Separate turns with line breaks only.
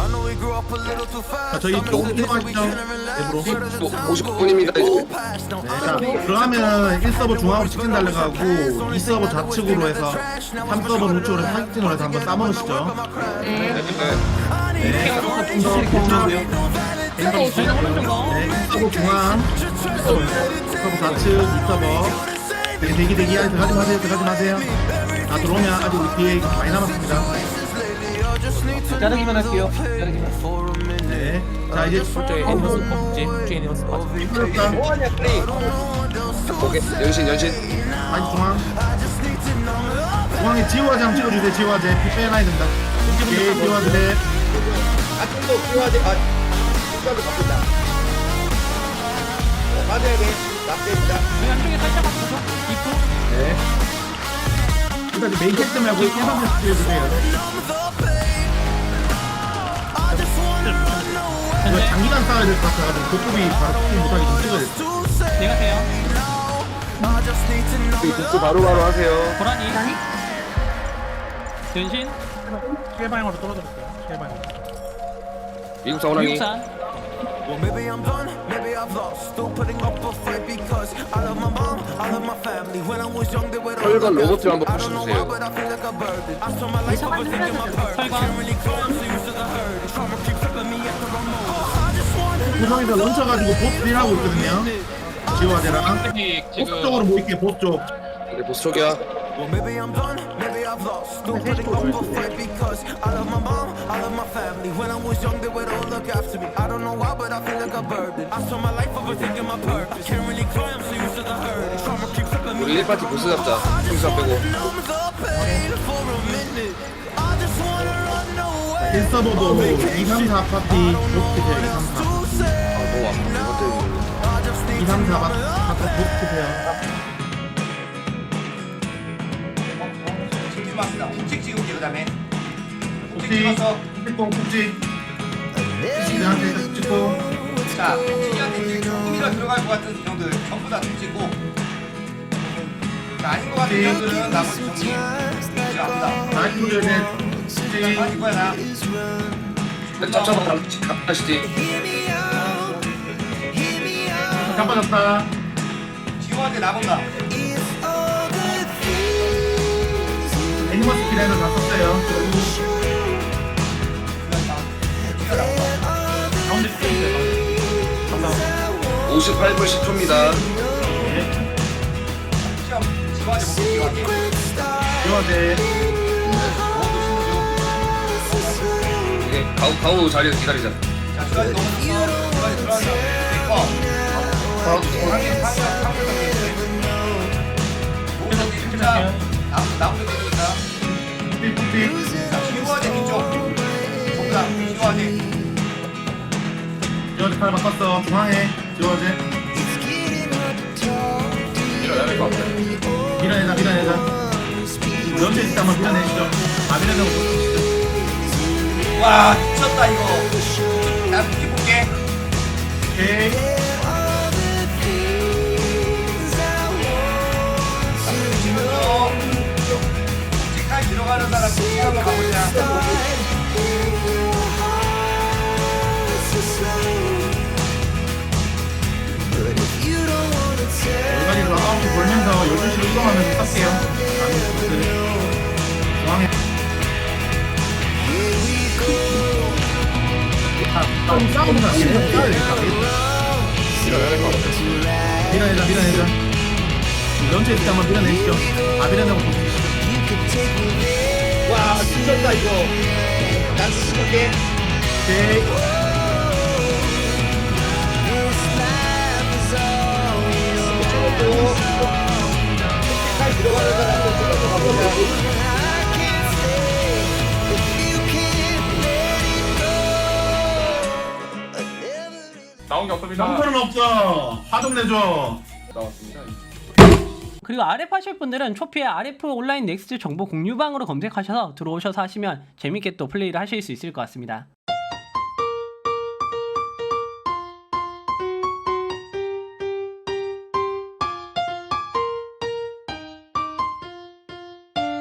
자, 저희 조금 들어가시죠. 앱으로.
50분입니다 이제.
네, 자, 들어가면 1서버 중앙으로 직진 달려가고 2서버 좌측으로 해서 3서버 우측으로 해서 사직진으로 해서 한번 싸먹으시죠. 네, 좀더 보시고요. 네, 1서버 중앙, 2서버 좌측, 2서버. 대기 안에 들어가지 마세요. 다 들어오면 아직 우리 뒤에 많이 남았습니다.
자르기만 할게요. 자르기만.
네, 자 이제
저희 애니머스 퍼지 저희 애니머스 퍼지
풀렸다.
뭐하냐 플레이.
오케이 연신
다시 중앙에 지호화제 한번 찍어주세요. 지호화제 피 빼놔야 된다. 오케이, 지호화제.
아직도 필요하지. 끝까지 바꾼다. 맞아야 돼. 납대입니다.
저희 안쪽에 살짝 바꾸죠 입구
네. 일단 이제 메인 캐스트 말고 1번부터 찍어주세요. 이거 장기간 싸워야 될 것 같아가지고 고급이 바로 킥 못하게 좀 찍어야 돼.
내가 돼요
복수 바로바로 하세요.
고라니 변신
실방향으로 떨어졌어요. 실방향.
미국 사원항이
미국산
Well, maybe I'm done, maybe I've lost. Still putting up a fight because I love my mom, I love my family. When I was young, they were all
혈관 로봇을 한번
I don't know why,
보셔주세요.
but I feel like a burden. I spent my life overthinking my purpose. Can't really go, I'm so used to the hurt. Trauma keep tripping me at the wrong moment. I just wanna
구성에서 런쳐가지고 보스 딜하고 있거든요. 지호화제랑 보스 쪽으로 모일게요. 보스 쪽.
네, 보스 쪽이야.
Well, maybe I'm done, maybe I've lost. Still putting up a fight because I love my mom, I love my family. When I was young, they would all look after me. I don't know why, but I feel like a burden. I spent my life overthinking my purpose. Can't really cry, I'm so used to the hurt. Trauma keep tripping me.
우리 1파티 보스 잡자. 총사 빼고.
Numb the pain for a minute. I just wanna run away.
1서버도 2, 3, 4 파티 보스트세요. 2, 3, 4.
To say
아 너무 아파.
I just
2,
need
3, 4 파티 보스트세요.
찍었어. 찍 찍을게 그다음에.
혹시 필동 꼭지 시대한테 찍고
자, 찍기한테 조금이라 들어갈 것 같은 정들 전부 다 찍고. 자, 아닌 것 같은 정들은 나머지 정리. 찍어합니다.
다시 돌려야
자, 빠질 거야 나.
짭짭한 갑시지.
깜빡졌다.
지호한테 나본다.
애니머스 기라이너 다 썼어요.
가운데 스테이지.
58분 10초입니다.
시험 지호한테 먹고 지호한테.
지호화제
이게 가우 자리에서 기다리자.
자, 지호한테 넘어졌어. 지호한테 들어간다. 내꺼. 상대 상대 모두 진짜 나무도 되니까.
삐삐삐
자, 지호한테 뒤쪽. 정답. 지호한테.
지호화제 칼 바꿨어. 중앙에 지호화제
일어나야 될 것 같아.
밀어내자. 연재 있을 때 한번 밀어내시죠. 아 밀어내고 보시죠.
와, 미쳤다 이거. 나 무기 볼게.
오케이.
지금요. 직까지 들어가는 사람 무기 한번 가보자.
여기까지로 9시 벌면서 12시로 이동하면서 쏠게요. 중앙에 싸우는 사람 싸워야 되니까
일어나야 될 것 같아.
밀어내자. 런처 있을 때 한번 밀어내시죠. 아 밀어내고 보시죠.
와, 미쳤다 이거. 난 죽을게.
오케이.
직까지 들어가는 사람 좀 가보자.
나온 게 없습니다.
상처는 없어. 화 좀 내줘.
나왔습니다.
그리고 RF 하실 분들은 초피의 RF 온라인 넥스트 정보 공유방으로 검색하셔서 들어오셔서 하시면 재밌게 또 플레이를 하실 수 있을 것 같습니다.